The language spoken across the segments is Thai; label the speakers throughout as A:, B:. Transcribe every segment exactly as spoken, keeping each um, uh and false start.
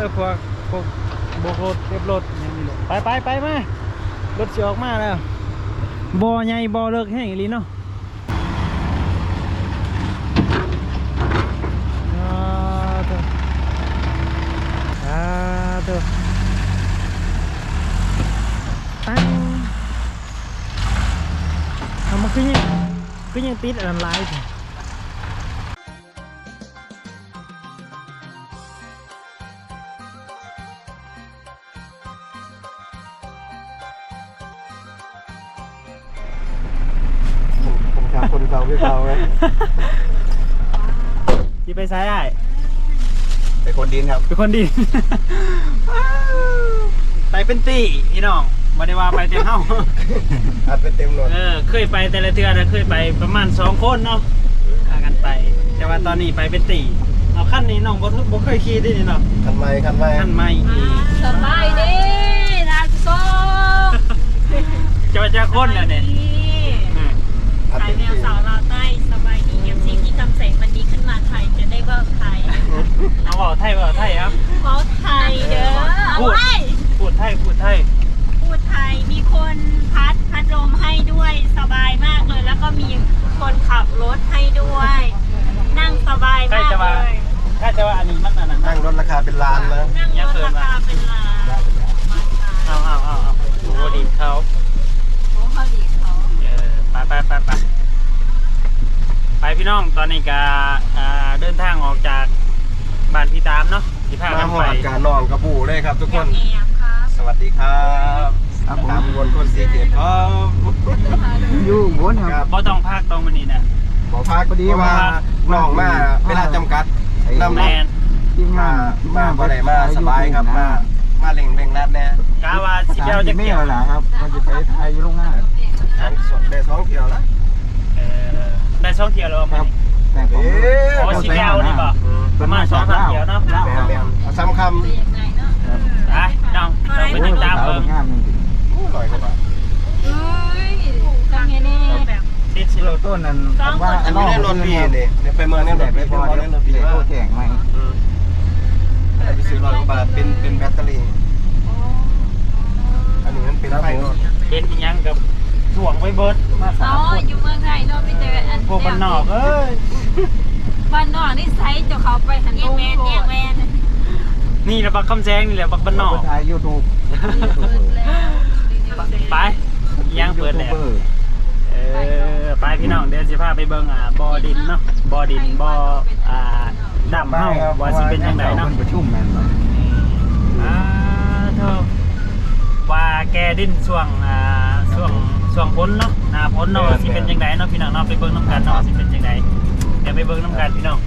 A: พวกพวกโบกรถเก็บรถอย่างนี้เลยไปไปไปมารถเสียออกมาแล้วบ่อใหญ่บ่อเลิกแห้งอีหลีเนาะอ่าเถอะอ่าเถอะตั้งทำมาขึ้นยังขึ้นยังติดอันไลน์
B: คนเก่าพี่เก่าไหม
A: ที่ไปซ้ายได้
B: เป็นคนดินครับ
A: เป็นคนดี ไปเป็นตีพี่น้องบ่ได้ว่าไปเต็มเฮ้า
B: อัดเป็นเต็มรถ
A: เออเคยไปแต่ละเทือนะเคยไปประมาณสองคนเนาะพากันไปแต่ว่าตอนนี้ไปเป็นตีเอาขั้นนี้น้องบ่บ่เคยขี่ได้นี่เนาะ
B: คันไม้คันไม้
A: ขั้นไม่
C: สบายดีนะโซ่
A: จะมาเจอคนแล้วเนี่ย
C: ไทยแมวสาวลาวใต้สบายดีเอฟซีที่ทำแสงวันนี้ขึ้นมาไทยจะได้ว่าไทย
A: เอาบอกไทยบอกไทยครับ
C: บอกไทยเด้อ
A: พูดพูดไทยพูดไทย
C: พูดไทยมีคนพัดพัดลมให้ด้วยสบายมากเลยแล้วก็มีคนขับรถให้ด้วยนั่งสบายมากเลย
A: ถ้าจะว่าอันนี้มันอันนั้น
B: นั่งรถราคาเป็นล้านนะ
C: นั่งรถราคาเป็นล้าน
A: เอาเอาเอาเอาโอ้ดีเขา
C: โอ้เขาดีเขา
A: เออไปไปไปไปไปพี่น้องตอนนี้ก็เดินทางออกจากบ้านพี่ตามเนาะที่พากันไป
B: มาหอดการนอนกระปูเลยครับทุกคนสวัสดีครับตามวนคนสีเกียรติครับ
A: อยู่บนครับบ่ต้องพักตรงวันนี้นะ
B: บ่พักพอดีว่าน้องมาเวลาจำกัดนำแมนมามาบ่ได้มาสบายครับมามาเล่งเล่งนัดแน่
A: กาวาสิเดียวจะเกี่ยว
D: ล่ะครับมันจะไปไทยโรงงาน
B: ทั้งสดได้สองเที่ยวแล้ว
A: ได้สองเที่ยวแล้วครับโอ้สิเดียวนี่ป่ะประมาณสองสามเที่ยวเนาะ
B: ซ้ำคำ
A: ไปน้องเราไปติดตามเพิ่ม
B: ลอยกว่าบาท
C: เฮ้ยจังเงี้ยนี่แบบ
A: ติดสิโล
D: ต้นนั้น
B: ว่าอันนี้ได้รถปีนี่เนี่ยไปเมืองนี่รถไปพอได้รถปีว่า
D: แข่งไหม
B: ไปซื้อร้อยกว่าบาทเป็นเป็นแบตเตอรี่อันนี้มันเป็นไฟรถ
A: เป็นยังกับถ่วงไว้เบิร์ด
C: มาสามคนอยู่เมืองไทยเนาะไปเจออัน
A: พวกบ้านนอกเอ้ย
C: บ้านนอกนี่ไซส์จะเขาไปหันตรงแวนแยกแวน
A: นี่แหละบักคำแซงนี่แหละบักบ้านนอก
D: ถ่ายยูทูบ
A: ไปยังเปิดแล้วเออไปพี่น้องเดี๋ยวจะพาไปเบิ่งอ่ะบ่อดินเนาะบ่อดินบ่ออ่าดำเฮาว่าสิเป็นยังไงเนาะ
D: ประชุมแม่นบ่
A: อ่าเท่าว่าแกดินช่วงอ่าช่วงช่วงพ้นเนาะหน้าพ้นเนาะสิเป็นยังไงเนาะพี่น้องเนาะไปเบิ่งน้ำกันเนาะสิเป็นยังไงเดี๋ยวไปเบิ่งน้ำกันพี่น้อง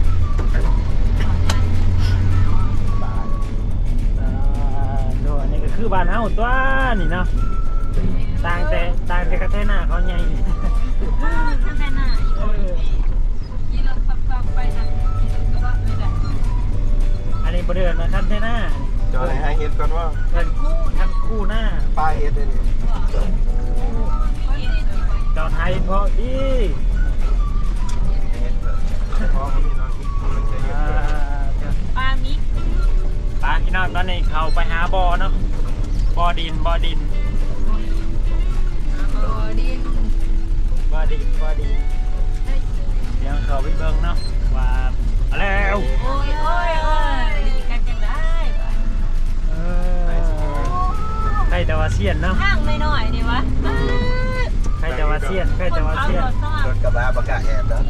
A: ดูอันนี้ก็คือบ้านเฮาตัวนี่เนาะต่างแต่ต่างแต่กระแทกหน้าเขาใหญ่
C: กระแทกหน้ายี่เราฟังไปทาง
A: อันนี้บริเวณนะท่านแท่หน้า
B: จอดให้เห็ดก่อนว่า
A: ท่านคู่ท่านคู่หน้า
B: ปลาเห็ดเลย
A: จอดไทยพอดี
C: ปลามิก
A: ปลาพี่น้องตอนนี้เขาไปหาบ่อเนาะบ่อดินบ่อดิน
C: บ่อดิน
A: บ่อดินบ่อดินเดี๋ยวเขาไปเบิ่งเนาะว่าแล้ว
C: โอ้ยโอ้ยโอ้ยดีกันจังได้
A: เออใครจะว่าเสียนเนาะ
C: ข้างไม่หน่อยดีวะ
A: ใครจะว่าเสียนใครจะว่าเสียน
B: รถกระบะประกาศแอบแล้ว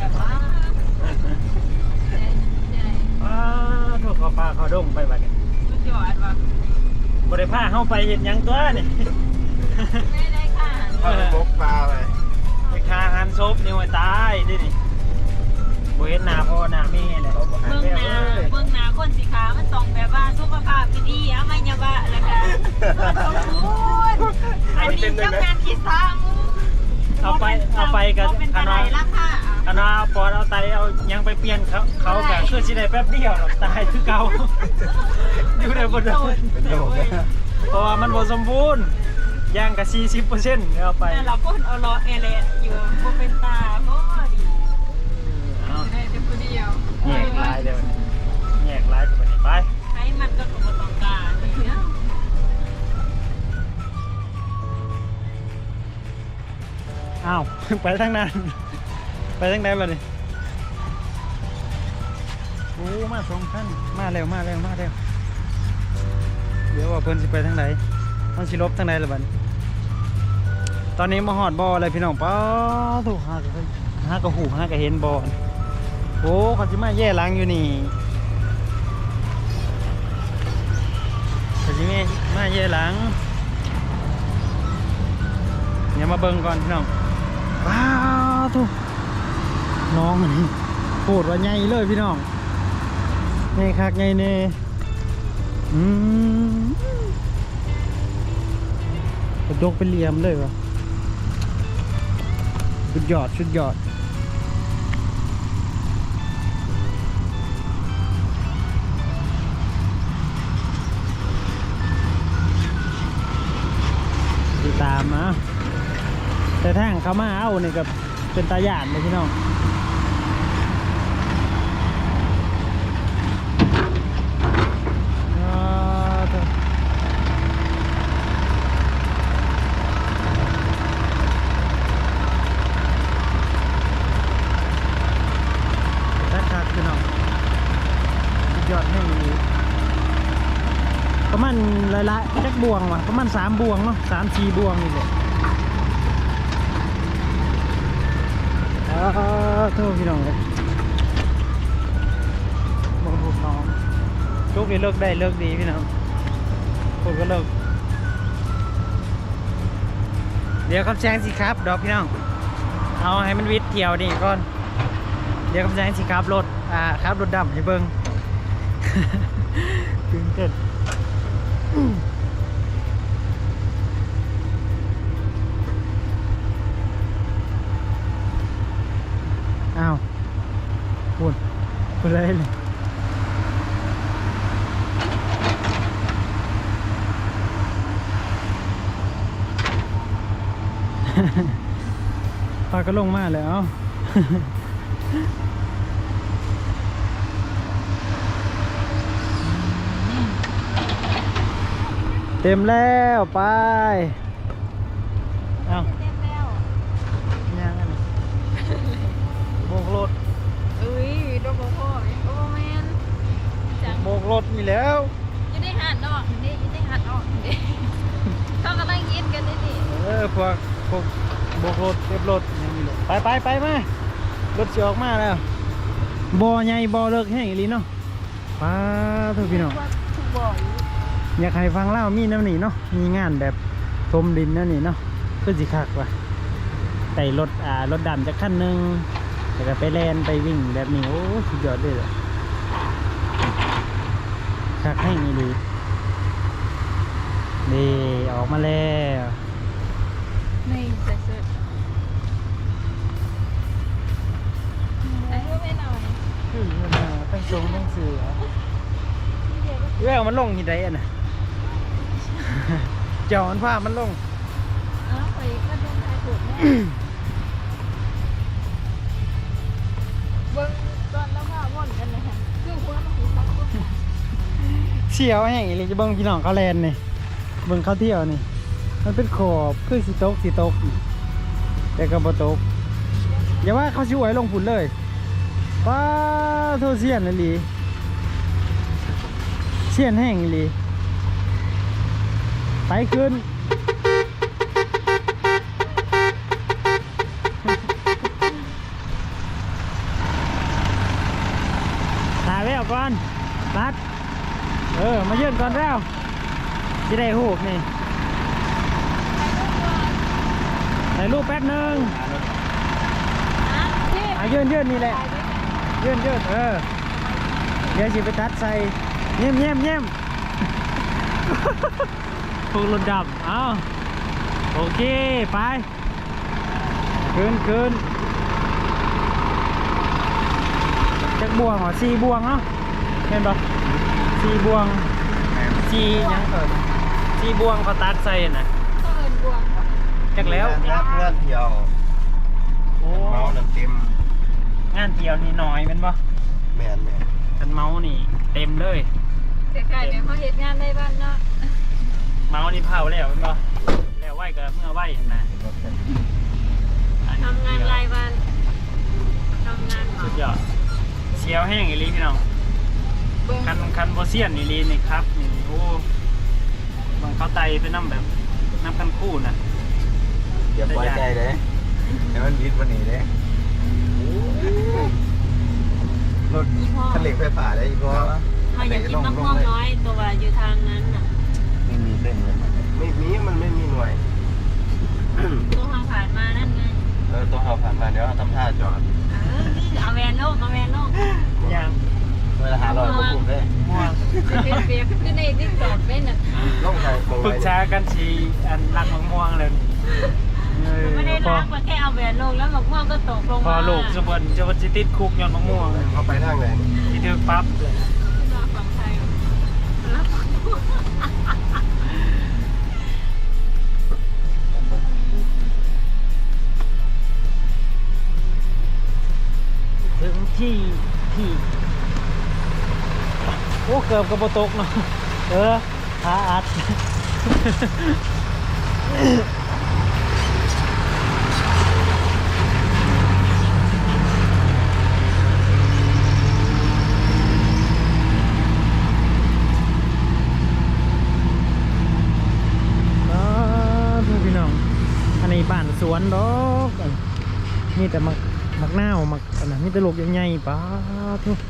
A: อ้าวถูกเขาปลาเขาดงไปบัดนี้บริพาเข้าไปเห็นยังตัวนี่
C: ไม่ได้ค่ะ
B: เขาไปพกปลาไป
A: ไปคาหันซบนี่ไว้ตายดินี่บริเวณหน้าพ่อหน้าแม่เลย
C: เมืองนาเมืองนาคนสีขาวมันต้องแบบว่าสุขภาพดีๆไม่ยาบะแล้วกันสมบูรณ์อันนี้เจ้าการคิดซ้ำ
A: เอาไปเอาไปกันคณะคณะปอดเอาไตเอายังไปเปลี่ยนเขาเขาแบบคือสิได้แป๊บเดียวหรอกตายคือเก่าอยู่ในบนโดนเพราะว่ามันบนสมบูรณ์ย่างกับสี่สิบเปอร์เซ็นต์เอาไป
C: เราก็เอาล้อเอเลอยู่บนเป็นตาเพราะดีได้แต่คนเดียว
A: แยกลายเดี๋ยวแยกลายไปไป
C: ใครมา
A: ไปทางนั้นไปทางไหนบ้างนี่โอ้มาสองขั้นมาเร็วมาเร็วมาเร็วเดี๋ยวว่าเพิ่นสิไปทางไหนมันสิลบทางไหนล่ะบัดนี้ตอนนี้มาหอดบ่อเลยพี่น้องป้าถูกหากระหากระหูหากระเห็นบ่อโอ้เขาสิมาแย่ล้างอยู่นี่เขาสิมามาแย่ล้างเดี๋ยวมาเบิ่งก่อนพี่น้องว้าวทุกน้องอันนี้โคตรว่าใหญ่เลยพี่น้องใหญ่คักใหญ่เน่อืมกระดกเป็นเหลี่ยมเลยวะชุดยอดชุดยอดติดตามนะแต่ทางเขามาเอาเนี่ยกับเป็นตาหยาดเลยพี่น้องประมาณหลายๆจักบวงว่ะประมาณสามบวงเนาะสามสี่บวงนี่แหละอ้าวโทษพี่น้องเลยบอกถูกน้องทุกทีเลิกได้เลิกดีพี่น้องคนก็เลิกเดี๋ยวคำแซงสิครับดอกพี่น้องเอาให้มันวิทย์เที่ยวนี่ก่อนเดี๋ยวคำแซงสิครับรถอ่าครับรถดำให้เบิ้งตื่นเต้นอ้าวพูดพูดอะไรเลยปลาก็ลงมาแล้วเต็มแล้วไปเอา
C: เต็มแล้ว
A: ยังไงโบกรถ
C: เอ้ยโดนโบโก้โอ้แมนจัง
A: โบกรถนี่แล้ว
C: ยังได้หันออกนี่ยังได้หันออกนี่เขากำลังยินกันนี่
A: เออพวกพวกโบกรถเก็บรถยังมีรถไปไปไปมารถจะออกมาแล้วบ่อใหญ่บ่อเลิกแห้งอีหลีเนาะป้าเถอะพี่น้อง
C: ทุกบ่อย
A: อยากให้ฟังเล่ามีน้ำนี่เนาะมีงานแบบทมดินนั่นนี่เนาะก็สิคักว่ะไต่รถอ่ารถดำจากขั้นหนึ่งแล้วก็ไปแลนไปวิ่งแบบนี้โอ้สุดยอดเลยอะคักให้อีหลีนี่ออกมาแล้ว
C: ไม่ใส่เสื้อไอ้เพื่อนไม่หน่อย
A: คือมันมาตั้งทรงตั้งเสือแววมันลงที่ใดอ่ะนะ เจ้ามันพามันลง
C: อ้าวไปก็โดนทายถูกแน่เบิ้งตอนแล้วว่าว่อนกันเลยค่ะคือหัวมันคือซักก็
A: เชี่ยวแห้งอีหลีจะเบิ่งพี่น้องเขาแลนนี่เบิ่งเขาเที่ยวนี่มันเป็นขอบคือสีตกสีตกแต่ก็บ่ตกอย่าว่าเขาช่วยลงฝุ่นเลยป้าโทเซียนอีหลีเซียนแห้งอีหลีไปขึ้นถ่ายไว้เอาก่อนรัดเออมาเยื่นก่อนแล้วจะได้หูกนี่ถ่ายรูปแป๊บนึงอ่ะยื่นยื่นนี่แหละยื่นยื่นเออเดี๋ยวสิไปตัดใส่เยี่ยมเยี่ยมเยี่ยมพวกรถดับเอาโอเคไปคืนคืนจักบวงเหรอสี่บวงเนาะเห็นปะสี่บวงสี่ยังเกิดสี่บวงเขาตัดใส่น่ะ
C: ก็เอินบวง
A: จักแล้ว
B: เพื่อนเพื่อนเที่ยว
A: โอ้
B: เมาน้ำเต็ม
A: งานเที่ยวนี่น้อยเป็นปะ
B: แมนแมน
A: กันเมานี่เต็มเลย
C: แต่ใครเนี่ยเขาเห็นงานในบ้านเนาะ
A: เมานี่เผาแล้วเป็นปะแล้วไหวก็เมื่อไหวเห็นนะอัน
C: ทำงานรายวันทำงาน
A: สุดยอดเสียวแห้งอีหลีพี่น้องคันคันบ่เซียนอีหลีนี่ครับนี่โอ้บางเขาไตไปน้ำแบบน้ำคันคู่น่ะ
D: อย่าปล่อยใจเลยให้มันวิดวันนี้เลยรถคันเหล็กไฟฟ้าได้อีกเพราะว่า
C: เขาอยากกินมะม่วงน้อยตัวอยู่ทางนั้นน่ะ
D: ไม่มีเส้นเลย
B: ไม่มีมันไม่มีหน่วย
C: ตัวทางผ่านมานั่นไง
B: เออตัวเขาผ่านมาเดี๋ยวทำท่าจอด
C: เออนี่เอาแวนโลกเอาแวนโลก
A: ย่าง
D: เวลาหาลอยก็คุ้มเลย
A: ม่วง
C: เป็นเปียกขึ้นในที่จอดเป็นน่ะ
B: ล่องใส่มอง
A: ปรึ
B: ไว้
A: กษากันสีอันรักมะม่วงเลยเออ
C: ไม่ได้
A: พอ
C: ล้างมาแค่เอาแวนโลกแล้วมะม่วงก็ตกลง
A: พอ
C: มา
A: ลูกจะบนจะบนจิติดคุกย้อนมะม่วง
B: เขาไปทางไหน
A: ที่ถือปั๊บเลย
C: ฝั่งไทยแล้วฝั่ง
A: ถึงที่ที่โอ้เกือบกับโบตกเนาะเออขาอัดพี่น้องอันนี้บ้านสวนดอกมีแต่มักมักหน้าวมักอันนั้นมีแต่ลูกใหญ่ๆป้าทุก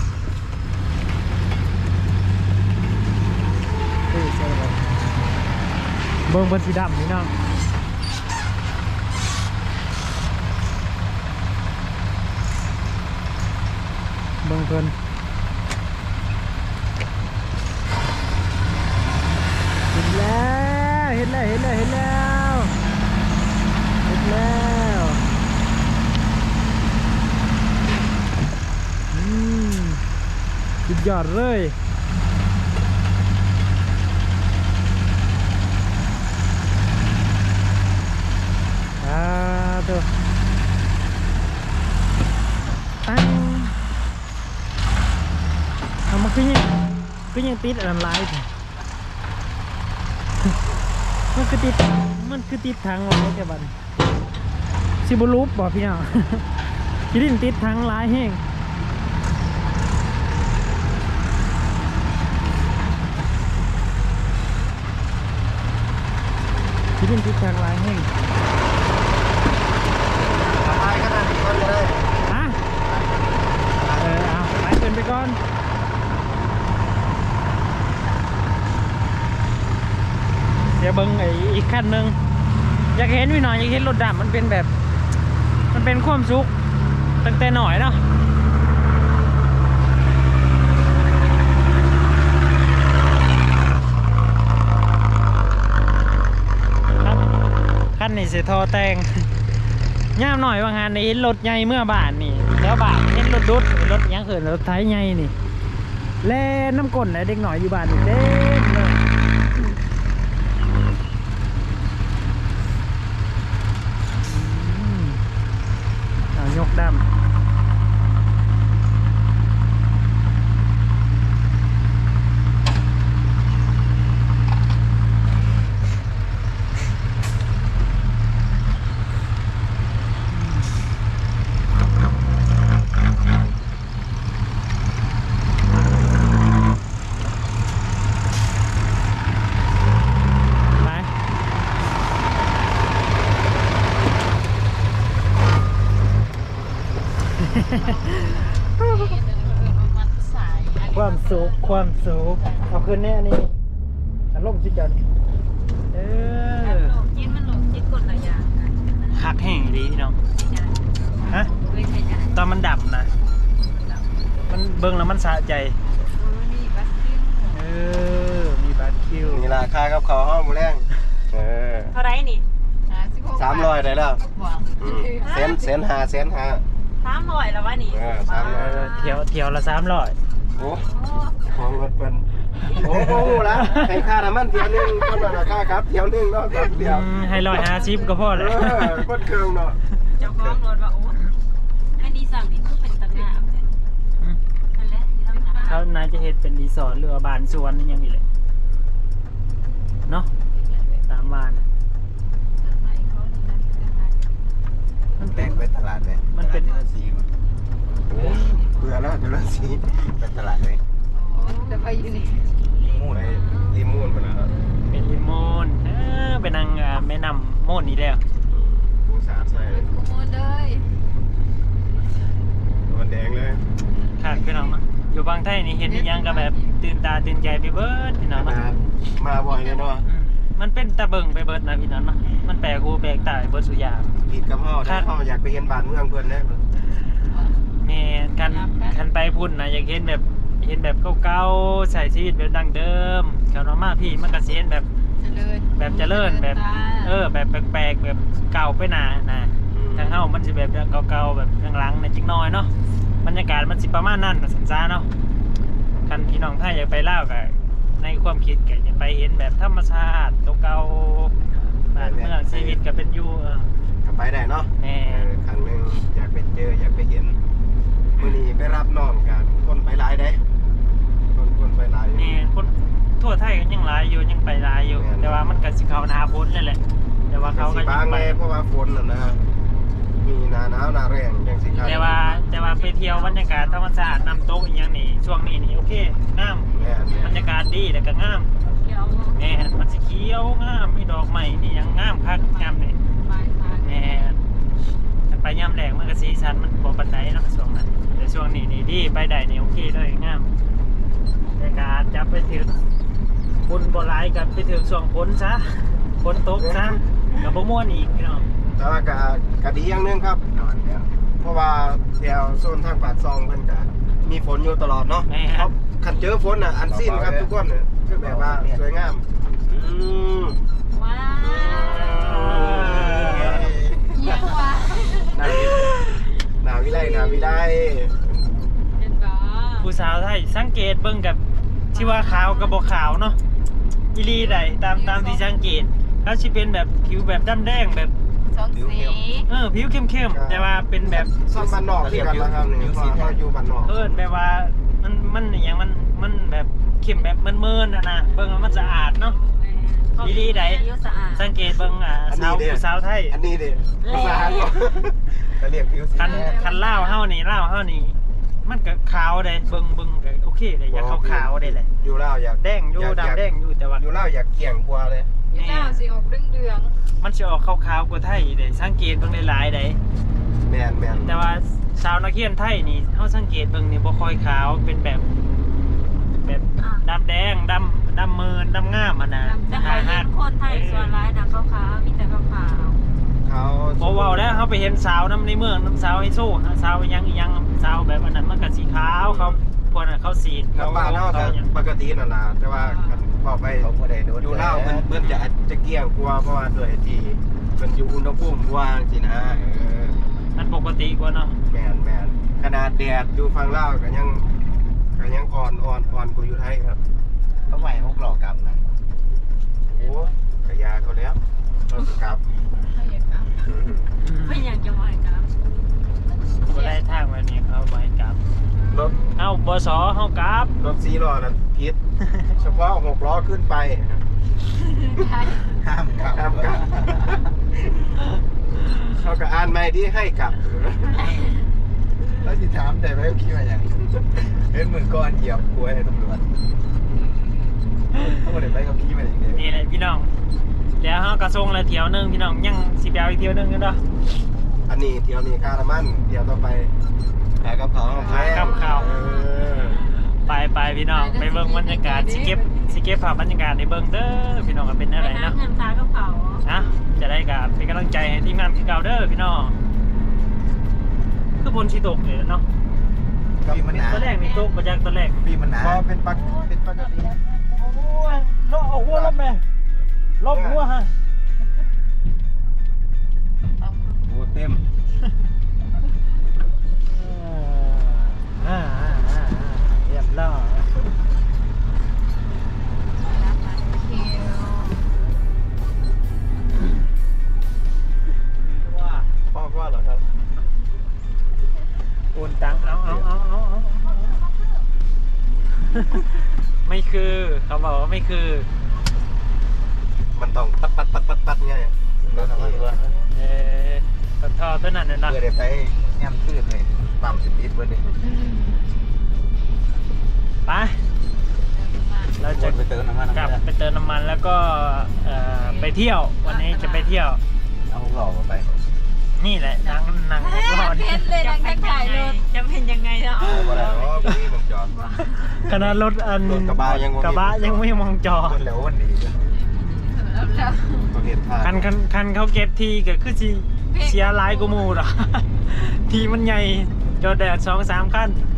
A: เฮ้ยเสียแล้วเบิ่งบนสีดำพี่น้องเบิ่งเพิ่นเห็นแล้วเห็นแล้วเห็นแล้วเห็นแล้วเห็นแล้วอืมสุดยอดเลยอ่าตัวตั้งเอามาขึ้นยังขึ้นยังติดอันไลน์มันคือติดมันคือติดทางไลน์แค่บันซิบูรูปบอกพี่น้องคิดดินติดทางไลน์แห้งคิดดินติดทางไลน์แห้ง
B: ตายขนาดนี้ก็ได้
A: ฮะเออเอาไปเกินไปก่อนเดี๋ยวเบิ้งไอ้อีกขั้นหนึ่งอยากเห็นวิหน่อยอยากเห็นรถดำมันเป็นแบบ มันเป็นความสุขตั้งแต่หน่อยเนาะขั้นนี้เสียทอแตงย่ามหน่อยว่างานนี้เห็นรถใหญ่เมื่อบานนี่แล้วบานเห็นรถดุดรถยังเขินรถไถใหญ่นี่แล่น้ำก้นนะเด็กหน่อยอยู่บ้านนี่เต็มเลยยกดำความสุขความสุขเอาคืนแน่นี่อารมณ์จิตจันเออ
C: หลงจิ้นมันหลงจิ้นกดระยะ
A: หักแห้งดีพี่น้องฮะ
C: ไม่ใช่ได้
A: ตอนมันดับนะมันเบิ่งแล้วมันสะใจเออมีบาร์คิว
B: นี่ราคากับเขาห้องมูแรงเออ
C: เท่าไรนี่
B: สามร้อยได้แล้วเซนเซนหาเซนหา
C: สามร้อยแล้ววะนี่
B: เออสามร้อย
A: เที่ยวเที่ยวละสามร้อย
B: โอ้ของรถเป็นโอ้โหละให้ค่าน้ำมันเที่ยวนึงคนละราคาครับเที่ยวนึงเนาะแบบเดียว
A: ให้ร้อยห้าสิบก็พอ
B: เอ
A: เลย
B: อคนเครื่องเนาะ
C: เจ้าของรถว่าโอ้อันนี้สั่งนี่คือเป็นตะงามเลยนั่นแหละที่ทำงาน
A: เขาน่าจะเฮ็ดเป็นรีสอร์ทหรือว่าบ้านสวนนี่ยังอีกเลยเนาะตามบ้านนะ
D: แรกไปตลาดเลย
A: มันเป็น
D: ตลาดสี
B: โอ้เบื่อแล้วเดี๋ยวเราสี
D: ไปตลาดเลย
C: จะไปอยู่นี่
D: มูน
B: ไปรีมูนมาแล้ว
A: เป็นลิมูนเออเป็นนางอ่าแม่น้ำโมนนี่แล้ว
B: ปูสาดใส่
C: ขโมยเลย
B: มันแดงเลย
A: ขาดพี่น้องเนาะอยู่บางไทยนี่เห็นอีหยังก็แบบตื่นตาตื่นใจไปเบิดพี่น้อง
B: มา
A: เนาะ
B: มาบ่อยเลยเนาะ
A: อืมมันเป็นตะเบิงไปเบิดนะพี่น้องเนาะมันแปลกหูแปลกตาไปเบิดสุอยาง
B: ผิดกับพ่อได้พ่ออยากไปเห็นบ้านเมืองเพื่อนนะ
A: แม่นคันคันไปพุ่นนะอยากเห็นแบบเห็นแบบเก่าๆใส่ชีวิตแบบดั้งเดิมเขาเนาะมาพี่มันก็สิเห็นแบบ
C: เจริญ
A: แบบเจริญแบบเออแบบแปลกๆแบบเก่าไปหนานะทางเฮามันสิแบบเก่าๆแบบหลังๆเนี่ยจักหน่อยเนาะบรรยากาศมันสิประมาณนั้นน่ะสันซาเนาะคันพี่น้องไทยอยากไปลาวก็ในความคิดก็อยากไปเห็นแบบธรรมชาติเก่าๆบ้านเมืองชีวิตก็เป็นอยู่เออ
B: ก็ไปได้เนาะ
A: แม่
B: เออครั้งหนึงอยากไปเจออยากไปเห็นมื้อนี้ไปรับน้องกันคนไปหลายเด้คนคนไปหลายอยู่
A: นี่คนทั่วไทยก็ยังหลายอยู่ยังไปหลายอยู่
B: แม่น
A: แต่ว่ามันก็สิเข้าหน้าฝนนั่นแหละแต่ว่าเขาก็
B: สิ
A: ยั
B: บาง ง
A: ไป
B: แน่เพราะว่าฝนน่ะนะมีหนาหนาวหนาแรงจังสิครับ
A: แต่ว่าแต่ว่าไปเที่ยวบรรยากาศธรรมชาติน้ำตกอีกอย่างนี้ช่วงนี้นี่โอเคงาม
B: แม่น
A: บรรยากาศดีแล้วก็งาม
C: เขียว
A: แม่นมันสิเขียวงามมีดอกไม้นี่ยังงามคักงามเลย
C: ไปทาง
A: แม่นถ้าไปย่ำแรงมันก็สีสันมันบ่ปานใดเนาะช่วงนั้นแต่ช่วงนี้นี่ดีไปได้นี่โอเคเลยงามแต่การจะไปถึงบุญบ่หลายกับไปถึงช่วงฝนซะฝนตกซะก็บ่ม่วนอีกพี่น้อง
B: แต่ว่าก็ก็ดีอย่างหนึงครับ
D: นอนแล้ว
B: เพราะว่าแถวโซนทางปากซองเพิ่นก็มีฝนอยู่ตลอดเนาะ
A: แม่
B: ครับคันเจอฝนน่ะอันสิ้นครับทุกคนน่ะคือแบบว่าสวยงามอืม
C: ว้าวเยี่ยมว่ะ
B: นาวินาวิไลนาวิไล
C: เห็นปะ
A: ผู้สาวไทยสังเกตเบิ่งกับที่ว่าขาวกับบ่ขาวเนาะอีหลีได้ตามตามที่สังเกตเขาสิเป็นแบบผิวแบบดำแดงแบบ
C: สองสี
A: เออผิวเข้มๆแต่ว่าเป็นแบบ
B: ซ่อมบ้านนอกที่กันนะครับนี่เพราะว่าอยู่บ้านนอก
A: เอิ้นแบบว่ามันมันอหย่างมันมันแบบเข้มแบบเมินๆน่ะนะเบิ่งแล้วมันสะอาดเนาะ อีหลีใด
C: อายุสะอาด
A: สังเกตเบิ่งอ่าสาวผู้สาวไทย
B: อันนี้ดิภาษาก็เรียกผิวสี
A: คันคันลาวเฮานี่ลาวเฮานี่มันก็ขาวได้เบิ่งเบิ่งก็โอเคได้อยากขาวๆได้แหละ
B: อยู่ลาวอยาก
A: แดงอยู่ดำแดงอยู่แต่ว่า
B: อยู่ลาวอยากเกี่ยงกว่าเลย
C: อยี่เจ้าสีออกเรื่องเดือง
A: มันจะออกขาวๆกว่าไทยได้สังเกตเบิ่งหลายๆได้
B: แมนแมน
A: แต่ว่าสาวนักเรียนไทยนี่เฮาสังเกตเบิ่งนี่บ่ค่อยขาวเป็นแบบ แบบดำแดงดำดำเมินดำงามอ่ะนะ
C: แต่ใครเห็นคนไทยส่วนร้ายนะขาวๆมีแต่ขาว
B: เขา
A: บ่เว้าแล้วเฮาไปเห็นสาวนํในเมืองน้ำสาวไฮโซสาวยังอีหยังสาวแบบอันนั้นมันก็สีขาวเขาพวกนั้นเขาสีด
B: กับบ้านเฮาก็ปกตินั่นล่ะแต่ว่าคันบอกไป
D: เขาบ่ได้โดน
B: อยู่ลาวเพิ่นเพิ่นจะจะเกี่ยงกว่าเพราะว่าด้วยที่เพิ่นอยู่อุณหภูมิกว่าสินะเออ
A: มันปกติกว่าเนาะ
B: แมนแมนขนาดแดดอยู่ฝั่งลาวก็ยังก็ยังอ่อนอ่อนอ่อนกว่าอยู่ไทยครับ
D: เขาไหวพวกหลอกกลับนะ
B: โอ้กะยาเขาแล้วเราสิกลับ
C: ๆไม่อยากกลับไม่อยากจะมาครับ
A: บ่ได้ทางแบบนี้เขาบ่ให้กลับ
B: รถ
A: เฮาบสเฮากลับ
B: รถสี่ล้อนั้นผิด เฉพาะหกล้อขึ้นไป
D: ห้ามกลับ
B: ห้ามกลับ เขาก็อ่านไม่ที่ให้กลับ
D: แล้วสิถามได้ไหมว่าคิดว่าอย่างเห็นมือก้อนเหยียบกล้วยให้ตำรวจเขาบ่ได้ไปกับพี่มาอย่างเดียว
A: นี่แหละพี่น้องเดี๋ยวเฮาก็ส่งแล้วเที่ยวหนึงพี่น้องยังสิไปเอาอีกเที่ยวหนึงกันเนาะ
B: อันนี้เที่ยวนี้คารามันเที่ยวต่อไป
D: หากับเขา
A: หากับเขา
B: เออ
A: ไปไปพี่น้องไปเบิ่งบรรยากาศสิเก็บสิเก็บภาพบรรยากาศในเบิ่งเด้อพี่น้องก็เป็นอะไร
C: ไป
A: เนาะ
C: น้ำเงินฟ้ากับเขา
A: นะจะได้กับเป็นกำลังใจให้ทีมงานที่เก่าเด้อพี่น้องคือบนชีตกเลยเนาะ
D: พี่มันหนา
A: ตอนแรกนี่ตกมาจากตอนแรก
D: พี่มันหนา
B: พอเป็นปกเป็นปกติ
A: โอ้ยลบเอาหัวลบไปลบหัวฮะ
B: โอ้เต็ม
A: อ่าอ่าอ่าเรียบร้อย
B: พ่อว่าเหรอครับ
A: โอนตังเอาเอาเอาเอาเอาไม่คือเขาบอกว่าไม่คือ
B: มันต้องปัดปัดปัดปัดปัดไง
A: เออรถท่อตัวนั้นน่ะเนาะ
D: เพื่อได้ไปย่ำตื้นเลยปั๊มสปีดเบิร์ดเลย
A: ไปเราจะ
D: ไปเติมน้ำมัน
A: กลับไปเติมน้ำมันแล้วก็เอ่อไปเที่ยววันนี้จะไปเที่ยว
D: เอาหล่อมาไป
A: นี่แหละนั่งนั่งรอ
C: เพ
A: นี่
C: ชรเลยดังแค่ถ่ายรถจะเป็นยังไงเนาะ
B: เอาบ่ได้เนาะบ่มีหมองจอด
A: ขนาดรถอัน
B: รถกระบะยังบ่มี
A: กระบะยังไม่มองจอ
D: คนแล้ววันดีเลย
B: ประเภทผ่าน
A: คันคันคันเขาเก็บทีก็คือสิเสียหลายกูมูหรอก ทีมันใหญ่จอดแดดสองสามคัน